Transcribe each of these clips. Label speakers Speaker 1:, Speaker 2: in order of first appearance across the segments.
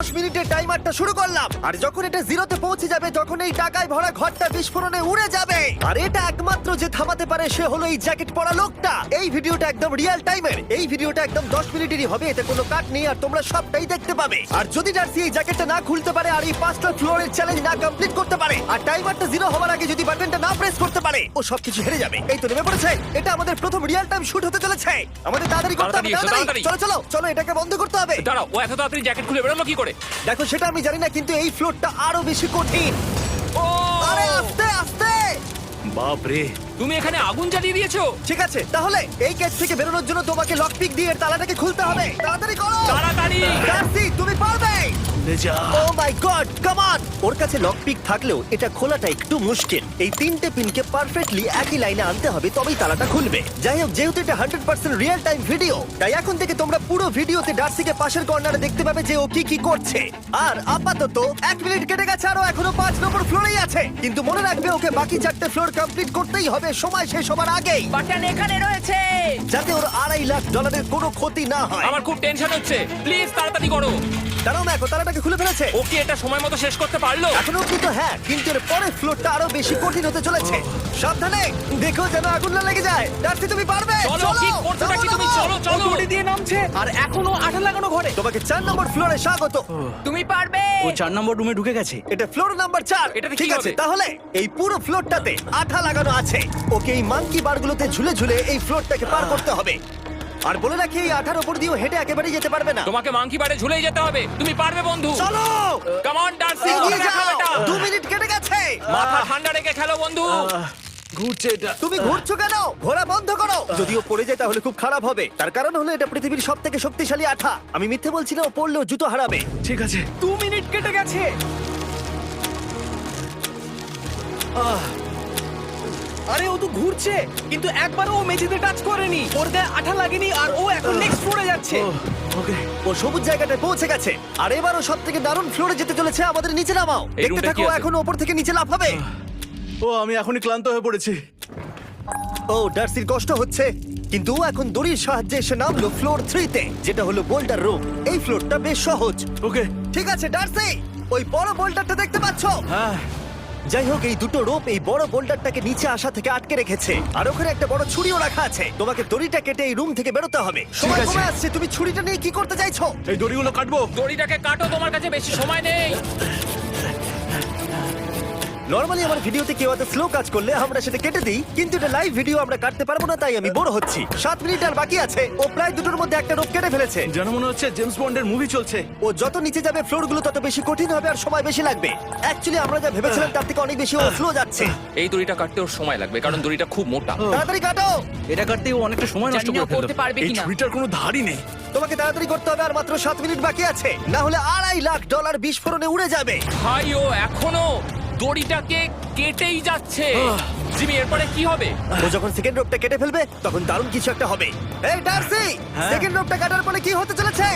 Speaker 1: মিনিটের টাইমারটা শুরু করলাম, আর যখন এটা জিরোতে পৌঁছে যাবে তখন এই টাকায় ভরা ঘরটা বিস্ফোরণে উড়ে যাবে। আর এটা একমাত্র যে থামাতে পারে সে হলো এই জ্যাকেট পরা লোকটা। এই ভিডিওটা একদম রিয়েল টাইমের, এই ভিডিওটা একদম 10 মিনিটেরই হবে, এতে কোনো কাট নেই আর তোমরা সবটাই দেখতে পাবে। আর যদি ডার্সি এই জ্যাকেটটা না খুলতে পারে আর এই 5টা ফ্লোরের চ্যালেঞ্জ না কমপ্লিট করতে পারে আর টাইমারটা জিরো হওয়ার আগে যদি বাটনটা না প্রেস করতে পারে, ও সবকিছু হেরে যাবে। এই তো নেমে পড়েছে, এটা আমাদের প্রথম রিয়েল টাইম শুট হতে চলেছে। আমাদের তাড়াতাড়ি করতে হবে, তাড়াতাড়ি চলো চলো চলো, এটাকে বন্ধ করতে হবে।
Speaker 2: দাঁড়াও, ও এত তাড়াতাড়ি জ্যাকেট খুলে বেরোলো কি করে?
Speaker 1: দেখো সেটা আমি জানি না, কিন্তু এই ফ্লোরটা আরো বেশি কঠিন।
Speaker 2: ও
Speaker 1: আরে আস্তে আস্তে।
Speaker 3: বাপ রে,
Speaker 2: তুমি এখানে আগুন জ্বালিয়ে দিয়েছো।
Speaker 1: ঠিক আছে, তাহলে এই কেস থেকে বেরোনোর জন্য তোমাকে লকপিক দিয়ে এর তালাটাকে খুলতে হবে। তাড়াতাড়ি করো
Speaker 2: তাড়াতাড়ি।
Speaker 1: ডার্সি, তুমি পারবে।
Speaker 3: লে যা।
Speaker 1: ও মাই গড, কাম অন। ওর কাছে লকপিক থাকলেও এটা খোলাটা একটু মুশকিল। এই 3টে পিনকে পারফেক্টলি একই লাইনে আনতে হবে, তবেই তালাটা খুলবে। যাই হোক, যেহেতু এটা 100% রিয়েল টাইম ভিডিও, তাই এখন থেকে তোমরা পুরো ভিডিওতে ডার্সিকে পাশের কর্নারে দেখতে পাবে যে ও কি কি করছে। আর আপাতত 1 মিনিট কেটে গেছে, আরো এখনো 5 নম্বর ফ্লোরেই আছে। কিন্তু মনে রাখবে ওকে বাকি 4টে ফ্লোর কমপ্লিট করতেই হবে সময় শেষ হবার আগেই,
Speaker 4: বাটন এখানে রয়েছে।
Speaker 1: যাতে ওর $2.5 লাখ কোনো ক্ষতি না হয়।
Speaker 2: আমার খুব টেনশন হচ্ছে, প্লিজ তাড়াতাড়ি করো।
Speaker 1: দাঁড়াও, দেখো তালাটাকে খুলে ফেলেছে।
Speaker 2: ও কি এটা সময় মতো শেষ করতে পারলো?
Speaker 1: এখনো কিন্তু হ্যাঁ, কিন্তু এর পরের ফ্লোরটা আরো বেশি কঠিন হতে চলেছে। সাবধানে, দেখো যেন আগুন না লেগে যায়। ডার্সি, তুমি পারবে।
Speaker 2: চলো, কি করছো নাকি তুমি? চলো চলো।
Speaker 4: দড়ি দিয়ে নামছে আর এখনো আঠা লাগানো ঘরে।
Speaker 1: তোমাকে 4 নম্বর ফ্লোরে স্বাগত।
Speaker 4: তুমি পারবে।
Speaker 3: ও 4 নম্বর রুমে ঢুকে গেছে।
Speaker 1: এটা ফ্লোর নাম্বার 4।
Speaker 2: এটাতে
Speaker 1: ঠিক
Speaker 2: কি
Speaker 1: আছে,
Speaker 2: হবে?
Speaker 1: তাহলে এই পুরো ফ্লোরটাতে আঠা লাগানো আছে। ওকে এই মাঙ্কি বারগুলোতে ঝুলে ঝুলে এই ফ্লোরটাকে পার করতে হবে। আর বলে রাখি, এই আঠার উপর দিয়েও হেঁটে একেবারেই যেতে পারবে না।
Speaker 2: তোমাকে মাংকি বারে ঝুলেই যেতে হবে। তুমি পারবে বন্ধু।
Speaker 1: চলো,
Speaker 2: কাম অন ডার্সি,
Speaker 1: এগিয়ে
Speaker 2: দেখো
Speaker 1: যাও।
Speaker 2: এটা।
Speaker 1: 2 মিনিট কেটে গেছে।
Speaker 2: মাথা ঠান্ডা রেখে খেলো বন্ধু।
Speaker 3: ঘুরছে এটা।
Speaker 1: তুমি ঘুরছো কেন? ঘোরা বন্ধ করো। যদিও পড়ে যায় তাহলে খুব খারাপ হবে। তার কারণ হলো এটা পৃথিবীর সবথেকে শক্তিশালী আঠা। আমি মিথ্যে বলছি না, ও পড়লেও জুতো হারাবে।
Speaker 3: ঠিক আছে।
Speaker 4: 2 মিনিট কেটে গেছে। আরে ও তো ঘুরছে, কিন্তু একবারও ও মেঝেতে টাচ করেনি। ওর গায়ে আঠা লাগেনি আর ও এখন নেক্সট ফ্লোরে যাচ্ছে।
Speaker 3: ওকে।
Speaker 1: ও সবুজ জায়গাটায় পৌঁছে গেছে। আর এবারও সবথেকে দারুণ ফ্লোরে যেতে চলেছে। আমাদের নিচে নামাও।
Speaker 2: এই
Speaker 1: দেখতে
Speaker 2: রুমটা
Speaker 1: থাকো,
Speaker 2: কি আছে?
Speaker 1: এখন উপর থেকে নিচে লাফাবে।
Speaker 3: ও আমি এখনই ক্লান্ত হয়ে পড়েছি।
Speaker 1: ও ডার্সির কষ্ট হচ্ছে, কিন্তু ও এখন দড়ির সাহায্যে এসে নামলো ফ্লোর 3 তে, যেটা হলো বোল্ডার রুম। এই ফ্লোরটা বেশ সহজ।
Speaker 3: ওকে।
Speaker 1: ঠিক আছে ডার্সি, ওই বড় বোল্ডারটা দেখতে পাচ্ছো?
Speaker 3: হ্যাঁ।
Speaker 1: যাই হোক, এই দুটো রোপ এই বড় বোল্ডারটাকে নিচে আসা থেকে আটকে রেখেছে। আর ওখানে একটা বড় ছুরিও রাখা আছে। তোমাকে দড়িটা কেটে এই রুম থেকে বেরোতে হবে। সময়
Speaker 3: আছে।
Speaker 1: কমে আসছে, তুমি ছুরিটা নিয়ে কি করতে চাইছো?
Speaker 3: এই দড়িগুলো কাটবো।
Speaker 2: দড়িটাকে কাটো, তোমার কাছে বেশি সময় নেই।
Speaker 1: নরমালি আমার ভিডিওতে কেউ এত স্লো কাজ করলে আমরা সেটা কেটে দিই, কিন্তু এটা লাইভ ভিডিও, আমরা কাটতে পারবো না, তাই আমি বোর হচ্ছি। 7 মিনিট আর বাকি আছে। ও প্রায় দুটোর মধ্যে একটা রোপ কেটে ফেলেছে।
Speaker 3: যেন মনে হচ্ছে জেমস বন্ডের মুভি চলছে।
Speaker 1: ও যত নিচে যাবে ফ্লোরগুলো তত বেশি কঠিন হবে আর সময় বেশি লাগবে। অ্যাকচুয়ালি আমরা যা ভেবেছিলাম তার থেকে অনেক বেশি ও স্লো যাচ্ছে।
Speaker 2: এই দড়িটা কাটতে ওর সময় লাগবে, কারণ দড়িটা খুব মোটা।
Speaker 1: তাড়াতাড়ি কাটো।
Speaker 3: এটা কাটতে ও অনেকটা সময় নষ্ট
Speaker 4: জানি না
Speaker 3: করে ফেললো।
Speaker 4: করতে পারবে
Speaker 3: এই
Speaker 4: কিনা।
Speaker 3: ছুরিটার কোনো ধারই নেই।
Speaker 1: তোমাকে তাড়াতাড়ি করতে হবে, আর মাত্র 7 মিনিট বাকি আছে, না হলে $2.5 লাখ বিস্ফোরণে উড়ে যাবে।
Speaker 2: ভাই ও এখনো দড়িটাকে কেটেই যাচ্ছে। জিমি, এরপরে কি হবে?
Speaker 1: ও যখন সেকেন্ড রোপটা কেটে ফেলবে তখন দারুণ কিছু একটা হবে। এই ডার্সি, সেকেন্ড রোপটা কাটার পরে কি হতে চলেছে?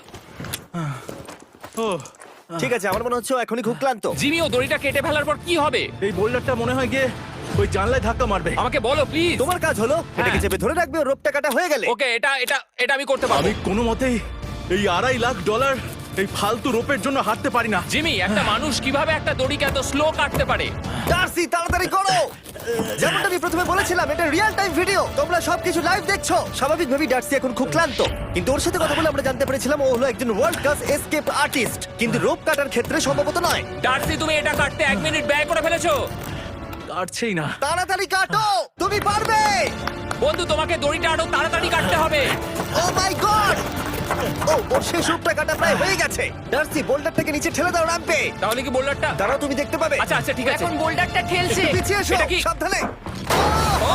Speaker 3: ও
Speaker 1: ঠিক আছে, আমার মনে হচ্ছে ও এখনই খুব ক্লান্ত।
Speaker 2: জিমি, ও দড়িটা কেটে ফেলার পর কি হবে?
Speaker 3: এই বোল্ডারটা মনে হয় গিয়ে ওই জানলায় ধাক্কা মারবে।
Speaker 2: আমাকে বলো প্লিজ।
Speaker 1: তোমার কাজ হলো এটাকে চেপে ধরে রাখবে, ও রোপটা কাটা হয়ে গেলে।
Speaker 2: ওকে, এটা এটা এটা আমি করতে পারবো।
Speaker 3: আমি কোনো মতেই এই $2.5 লাখ এই ফালতু রোপের জন্য হাঁটতে পারি না।
Speaker 2: জিমি, একটা মানুষ কিভাবে একটা দড়িকে এত স্লো কাটতে পারে?
Speaker 1: ডার্সি, তাড়াতাড়ি করো। যেমনটা আমি প্রথমে বলেছিলাম, এটা রিয়েল টাইম ভিডিও, তোমরা সবকিছু লাইভ দেখছো। স্বাভাবিকভাবেই ডার্সি এখন খুব ক্লান্ত, কিন্তু ওর সাথে কথা বলে আমরা জানতে পেরেছিলাম ও হলো একজন ওয়ার্ল্ড ক্লাস এসকেপ আর্টিস্ট, কিন্তু রোপ কাটার ক্ষেত্রে সম্ভবত নয়।
Speaker 2: ডার্সি, তুমি এটা কাটতে 1 মিনিট ব্যয় করে ফেলেছো।
Speaker 3: কাটছেই না।
Speaker 1: তাড়াতাড়ি কাটো, তুমি পারবে।
Speaker 2: বন্ধু, তোমাকে দড়িটা আরো তাড়াতাড়ি কাটতে হবে।
Speaker 1: ও মাই গড! ওর শেষ রূপটা কাটা প্রায় হয়ে গেছে। ডার্সি, বোল্ডারটাকে নিচে ঠেলে দাও, রাখবে।
Speaker 2: তাহলে কি বোল্ডারটা?
Speaker 1: দাঁড়াও, তুমি দেখতে পাবে।
Speaker 2: আচ্ছা আচ্ছা, ঠিক আছে।
Speaker 4: এখন বোল্ডারটা ঠেলছে।
Speaker 1: পিছিয়ে এসো,
Speaker 2: এটা কি?
Speaker 1: সাবধানে।
Speaker 2: ও,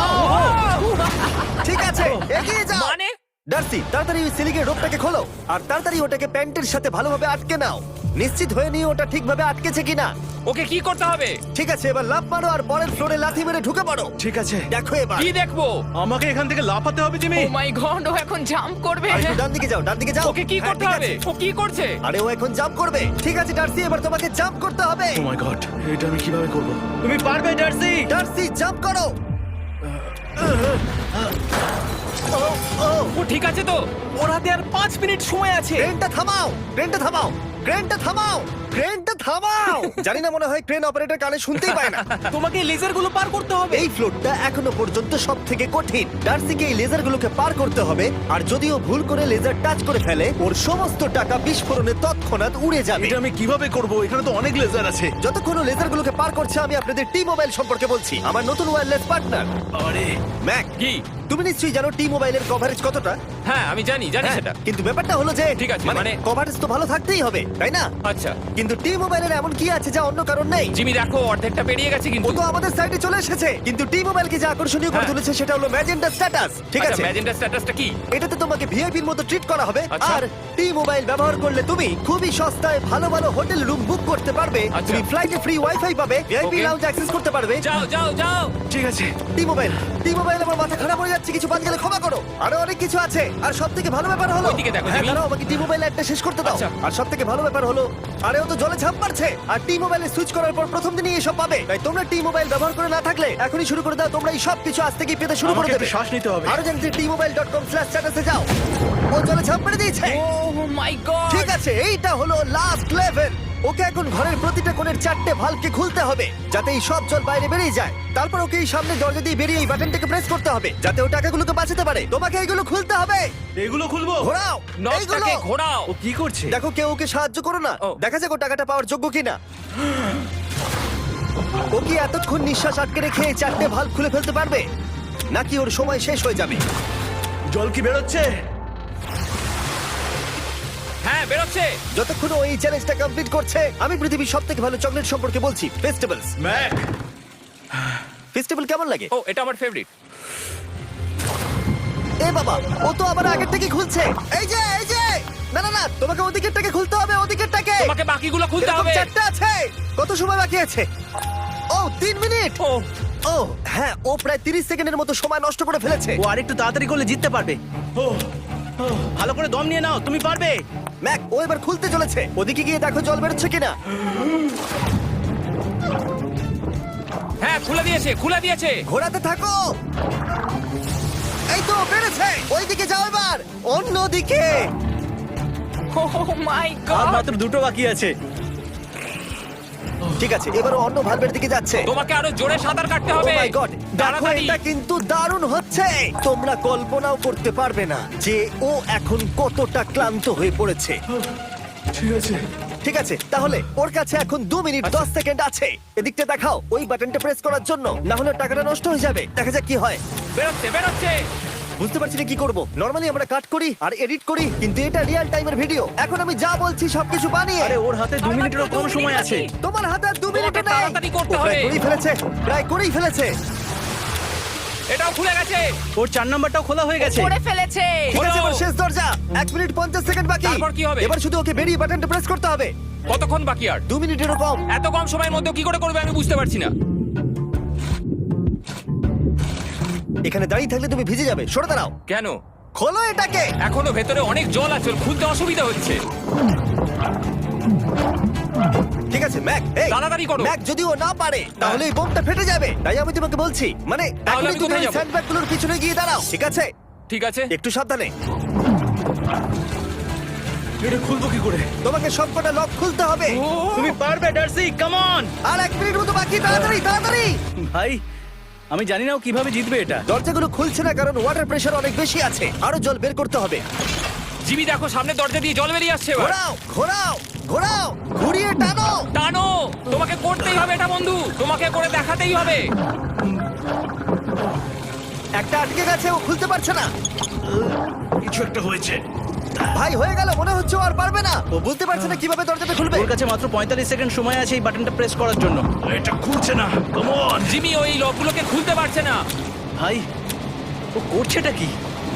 Speaker 1: ঠিক আছে, এগিয়ে যাও।
Speaker 2: মানে
Speaker 1: ডার্সি, তাড়াতাড়ি ওই সিলিংয়ের রোপটাকে খোলো আর তাড়াতাড়ি ওটাকে প্যান্টের সাথে ভালোভাবে আটকে নাও। নিশ্চিত হয়ে নিও ওটা ঠিকভাবে আটকেছে কিনা।
Speaker 2: ওকে কি করতে হবে?
Speaker 1: ঠিক আছে, এবার লাফ মারো আর পরের ফ্লোরে লাথি মেরে ঢুকে পড়ো।
Speaker 3: ঠিক আছে।
Speaker 1: দেখো এবার।
Speaker 2: কি দেখবো?
Speaker 3: আমাকে এখান থেকে লাফাতে হবে জিমি।
Speaker 4: ও মাই গড, ও এখন জাম্প করবে।
Speaker 1: আর একটু ডান দিকে যাও, ডান দিকে যাও।
Speaker 2: ওকে কি
Speaker 1: হ্যাঁ,
Speaker 2: করতে
Speaker 1: ঠিক
Speaker 2: হবে?
Speaker 1: আছে।
Speaker 2: ও কি করছে?
Speaker 1: আরে ও এখন জাম্প করবে। ঠিক আছে ডার্সি, এবার তোমাকে জাম্প করতে হবে।
Speaker 3: ও মাই গড, এটা আমি কিভাবে করব? তুমি পারবে ডার্সি।
Speaker 1: ডার্সি, জাম্প করো। ও ও
Speaker 2: ও ঠিক আছে তো?
Speaker 4: ওর হাতে আর 5 মিনিট সময় আছে।
Speaker 1: ক্রেনটা থামাও, ক্রেনটা থামাও, ক্রেনটা থামাও, ক্রেনটা থামাও। জানি না, মনে হয় ক্রেন অপারেটর কানে শুনতেই পায় না।
Speaker 4: তোমাকে লেজারগুলো পার করতে হবে।
Speaker 1: এই ফ্লোরটা এখনো পর্যন্ত সব থেকে কঠিন। ডার্সিকে এই লেজারগুলোকে পার করতে হবে, আর যদিও ভুল করে লেজার টাচ করে ফেলে, ওর সমস্ত টাকা বিস্ফোরণে তৎক্ষণাৎ উড়ে যাবে।
Speaker 3: এটা আমি কিভাবে করব? এখানে তো অনেক লেজার আছে।
Speaker 1: যতক্ষণ ও লেজারগুলোকে পার করছে, আমি আপনাদের টি মোবাইল সম্পর্কে বলছি, আমার নতুন ওয়্যারলেস পার্টনার।
Speaker 3: আরে
Speaker 1: ম্যাক,
Speaker 2: কি?
Speaker 1: তুমি নিশ্চয়ই জানো টি মোবাইলের কভারেজ কতটা?
Speaker 2: হ্যাঁ আমি জানি
Speaker 1: হ্যাঁ,
Speaker 2: সেটা।
Speaker 1: কিন্তু ব্যাপারটা হলো যে
Speaker 2: ঠিক আছে,
Speaker 1: মানে
Speaker 2: মানে
Speaker 1: কভারেজ তো ভালো থাকতেই হবে, তাই না?
Speaker 2: আচ্ছা
Speaker 1: কিন্তু টি মোবাইলের এমন কি আছে যা অন্য কারণ নেই?
Speaker 2: জিমি দেখো অর্ধেকটা পেরিয়ে গেছে
Speaker 1: ও
Speaker 2: কিন্তু।
Speaker 1: তো আমাদের সাইডে চলে এসেছে, কিন্তু টি মোবাইলকে যে আকর্ষণীয় করে
Speaker 2: হ্যাঁ।
Speaker 1: তুলেছে সেটা হলো ম্যাজেন্টা স্ট্যাটাস। ঠিক আছে,
Speaker 2: ম্যাজেন্টা স্ট্যাটাসটা কি?
Speaker 1: এটাতে তোমাকে ভিআইপির মতো ট্রিট করা হবে।
Speaker 2: আচ্ছা।
Speaker 1: আর টি মোবাইল ব্যবহার করলে তুমি খুবই সস্তায় ভালো ভালো হোটেল রুম বুক করতে পারবে।
Speaker 2: আচ্ছা।
Speaker 1: তুমি ফ্লাইটে ফ্রি ওয়াইফাই পাবে, ভিআইপি
Speaker 2: Okay.
Speaker 1: লাউঞ্জ অ্যাক্সেস করতে পারবে।
Speaker 2: যাও যাও যাও।
Speaker 3: ঠিক আছে।
Speaker 1: টি মোবাইল, টি মোবাইল, আমার মাথা খারাপ হয়ে যাচ্ছে, কিছু বাদ গেলে ক্ষমা করো। আরো অনেক কিছু আছে, আর সব থেকে ভালো ব্যাপার হলো,
Speaker 2: ওইদিকে দেখো,
Speaker 1: হ্যাঁ
Speaker 2: জিমি।
Speaker 1: দাঁড়াও, আমাকে টি মোবাইল একটা শেষ করতে দাও।
Speaker 2: আচ্ছা।
Speaker 1: আর সব থেকে ভালো ব্যাপার হলো, আরে ও তো জলে ঝাঁপ মারছে, আর টি মোবাইলে সুইচ করার পর প্রথম দিনই এসব পাবে। তাই তোমরা টি মোবাইল ব্যবহার করে না থাকলে এখনই শুরু করে দাও। তোমরা এই সব কিছু আজ থেকেই পেতে শুরু করে
Speaker 3: আমাকে
Speaker 1: দেবে।
Speaker 3: একটু শ্বাস নিতে হবে।
Speaker 1: আরো জানতে tmobile.com/status এ যাও। ও জলে ঝাঁপ মেরে দিয়েছে।
Speaker 2: Oh my god.
Speaker 1: ঠিক আছে, এইটা হলো লাস্ট লেভেল। ওকে এখন ঘরের প্রতিটা কোণের 4টে ভালভকে খুলতে হবে, যাতে এই সব জল বাইরে বেরিয়ে যায়। তারপর ওকে এই সামনে দরজা দিয়ে বেরিয়ে এই বাটনটাকে প্রেস করতে হবে, যাতে ও টাকাগুলোকে বাঁচাতে পারে। তোমাকে এইগুলো খুলতে হবে।
Speaker 3: এগুলো খুলবো?
Speaker 1: ঘোরাও এইগুলো।
Speaker 2: নটটাকে ঘোরাও।
Speaker 3: ও কি করছে?
Speaker 1: দেখো কেউ ওকে সাহায্য করো না,
Speaker 2: ও।
Speaker 1: দেখা যাক ও টাকাটা পাওয়ার যোগ্য কিনা। ও কি এতক্ষণ নিঃশ্বাস আটকে রেখে এই 4টে ভালভ খুলে ফেলতে পারবে, নাকি ওর সময় শেষ হয়ে যাবে?
Speaker 3: জল কি বেরোচ্ছে?
Speaker 2: হ্যাঁ বেরোচ্ছে।
Speaker 1: যতক্ষণ ও এই চ্যালেঞ্জটা কমপ্লিট করছে, আমি পৃথিবীর সবথেকে ভালো চকলেট সম্পর্কে বলছি, ফেস্টিভ্যালস।
Speaker 3: ম্যাক,
Speaker 1: ফেস্টিভ্যাল কেমন লাগে?
Speaker 2: ও এটা আমার ফেভারিট।
Speaker 1: এ বাবা, ও তো আবার আগের থেকে খুলছে। এই যে এই যে, না না না, তোমাকে ওদিকেরটাকে খুলতে হবে, ওদিকেরটাকে।
Speaker 2: তোমাকে বাকিগুলো খুলতে
Speaker 1: এরকম
Speaker 2: হবে।
Speaker 1: 4টা আছে। কত সময় বাকি আছে? ও 3 মিনিট।
Speaker 2: ও
Speaker 1: ও হ্যাঁ, ও প্রায় 30 সেকেন্ডের মতো সময় নষ্ট করে ফেলেছে।
Speaker 4: ও আরেকটু তাড়াতাড়ি করলে জিততে পারবে। ভালো করে দম নিয়ে নাও, তুমি পারবে।
Speaker 1: ম্যাক, ও এবার খুলতে চলেছে। ওদিকে গিয়ে দেখো জল বেরোচ্ছে কিনা।
Speaker 2: হ্যাঁ খুলে দিয়েছে, খুলে দিয়েছে।
Speaker 1: ঘোরাতে থাকো। এই তো বেড়েছে। ওইদিকে যাও এবার, অন্যদিকে।
Speaker 2: ও মাই
Speaker 4: আর
Speaker 2: গড।
Speaker 4: মাত্র 2টো বাকি আছে।
Speaker 1: ঠিক আছে, এবার ও অন্য ভালভের দিকে যাচ্ছে।
Speaker 2: তোমাকে আরো জোরে সাঁতার কাটতে
Speaker 1: ও
Speaker 2: হবে।
Speaker 1: মাই গড, দেখো
Speaker 2: তাড়াতাড়ি।
Speaker 1: এটা কিন্তু দারুণ হচ্ছে। তোমরা কল্পনাও করতে পারবে না যে ও এখন কতটা ক্লান্ত হয়ে পড়েছে।
Speaker 3: ঠিক আছে।
Speaker 1: ঠিক আছে, তাহলে ওর কাছে এখন 2 মিনিট 10 সেকেন্ড আছে। এদিকটা দেখাও, ওই বাটনটা প্রেস করার জন্য, না হলে টাকাটা নষ্ট হয়ে যাবে। দেখা যাক কি হয়।
Speaker 2: বেরোচ্ছে বেরোচ্ছে।
Speaker 1: বুঝতে পারছি না কি করব। নরমালি আমরা কাট করি আর এডিট করি, কিন্তু এটা রিয়েল টাইমের ভিডিও। এখন আমি যা বলছি সবকিছু বানিয়ে।
Speaker 4: আরে ওর হাতে 2 মিনিটেরও কম সময় আছে।
Speaker 1: তোমার হাতে আর 2 মিনিট
Speaker 2: তোমাকে
Speaker 1: নেই।
Speaker 2: তাড়াতাড়ি করতে
Speaker 1: ও প্রায়
Speaker 2: হবে।
Speaker 1: করেই ফেলেছে, প্রায় করেই ফেলেছে।
Speaker 2: এটাও খুলে গেছে।
Speaker 4: ওর 4 নাম্বারটাও খোলা হয়ে গেছে।
Speaker 2: করে ফেলেছে।
Speaker 1: ঠিক আছে, এবার শেষ দরজা। 1 মিনিট 50 সেকেন্ড বাকি।
Speaker 2: তারপর কি হবে?
Speaker 1: এবার শুধু ওকে বেরিয়ে বাটনটা প্রেস করতে হবে।
Speaker 2: কতক্ষণ বাকি আর?
Speaker 1: 2 মিনিটেরও কম।
Speaker 2: এত কম সময়ের মধ্যে কি করে করবে আমি বুঝতে পারছি না।
Speaker 1: এখানে দাঁড়িয়ে থাকলে তুমি ভিজে যাবে, সরে দাঁড়াও।
Speaker 2: কেন?
Speaker 1: খোলো এটাকে।
Speaker 2: এখনো ভেতরে অনেক জল আছে, ওর খুলতে অসুবিধা হচ্ছে।
Speaker 1: ঠিক আছে ম্যাক, এই
Speaker 2: তাড়াতাড়ি করো।
Speaker 1: ম্যাক, যদি ও না পারে তাহলে এই বোমটা ফেটে যাবে। তাই আমি তোমাকে বলছি, মানে
Speaker 2: তাহলে
Speaker 1: এখনই
Speaker 2: আমি
Speaker 1: তুমি
Speaker 2: কোথায়
Speaker 1: ওই
Speaker 2: যাবো?
Speaker 1: স্যান্ডব্যাগগুলোর পিছনে গিয়ে দাঁড়াও, ঠিক আছে?
Speaker 2: ঠিক আছে।
Speaker 1: একটু সাবধানে।
Speaker 3: এটা খুলবো কি করে?
Speaker 1: তোমাকে সবকটা লক খুলতে হবে।
Speaker 4: তুমি পারবে ডার্সি, কাম অন।
Speaker 1: আর 1 মিনিট মতো বাকি, তাড়াতাড়ি তাড়াতাড়ি।
Speaker 4: ভাই আমি জানি না ও কিভাবে জিতবে এটা।
Speaker 1: দরজাগুলো খুলছে না কারণ ওয়াটার প্রেশার অনেক বেশি আছে। আরো জল বের করতে হবে।
Speaker 2: জিমি দেখো সামনে দরজা দিয়ে জল বেরিয়ে আসছে। এবার
Speaker 1: ঘোরাও ঘোরাও ঘোরাও, ঘুরিয়ে টানো।
Speaker 2: টানো। তোমাকে করতেই হবে এটা বন্ধু, তোমাকে করে দেখাতেই হবে।
Speaker 1: একটা আটকে গেছে, ও খুলতে পারছে না।
Speaker 3: কিছু একটা হয়েছে।
Speaker 1: ভাই হয়ে গেল, মনে হচ্ছে ও আর পারবে না। ও বুঝতে পারছে না কিভাবে দরজাটা খুলবে।
Speaker 4: ওর কাছে মাত্র 45 সেকেন্ড সময় আছে এই বাটনটা প্রেস করার জন্য।
Speaker 3: এটা খুলছে না। Come on.
Speaker 2: জিমি ওই লকগুলোকে খুলতে পারছে না।
Speaker 4: ভাই ও করছেটা কি?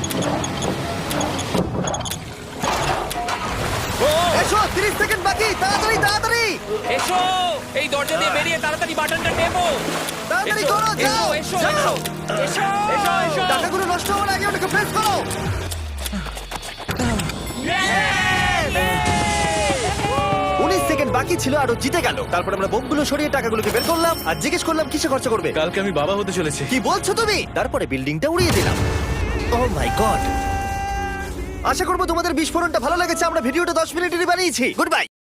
Speaker 2: ও
Speaker 1: এসো, 30 সেকেন্ড বাকি, তাড়াতাড়ি তাড়াতাড়ি
Speaker 2: এসো, এই দরজা দিয়ে বেরিয়ে তাড়াতাড়ি বাটনটা টেপো।
Speaker 1: তাড়াতাড়ি
Speaker 2: এসো,
Speaker 1: করো, যাও
Speaker 2: এসো,
Speaker 1: যাও।
Speaker 2: এসো, এসো, এসো, এসো।
Speaker 1: টাকাগুলো নষ্ট হওয়ার আগে ওটাকে প্রেস করো। 19 সেকেন্ড বাকি ছিল আর ও জিতে গেল। তারপর আমরা বোমগুলো সরিয়ে টাকাগুলোকে বের করলাম আর জিজ্ঞেস করলাম কিসে খরচা করবে।
Speaker 3: কালকে আমি বাবা হতে চলেছি।
Speaker 1: কি বলছো তুমি? তারপরে বিল্ডিংটা উড়িয়ে দিলাম। ও মাই গড, আশা করবো তোমাদের বিস্ফোরণটা ভালো লেগেছে। আমরা ভিডিওটা 10 মিনিটেরই বানিয়েছি। Good by.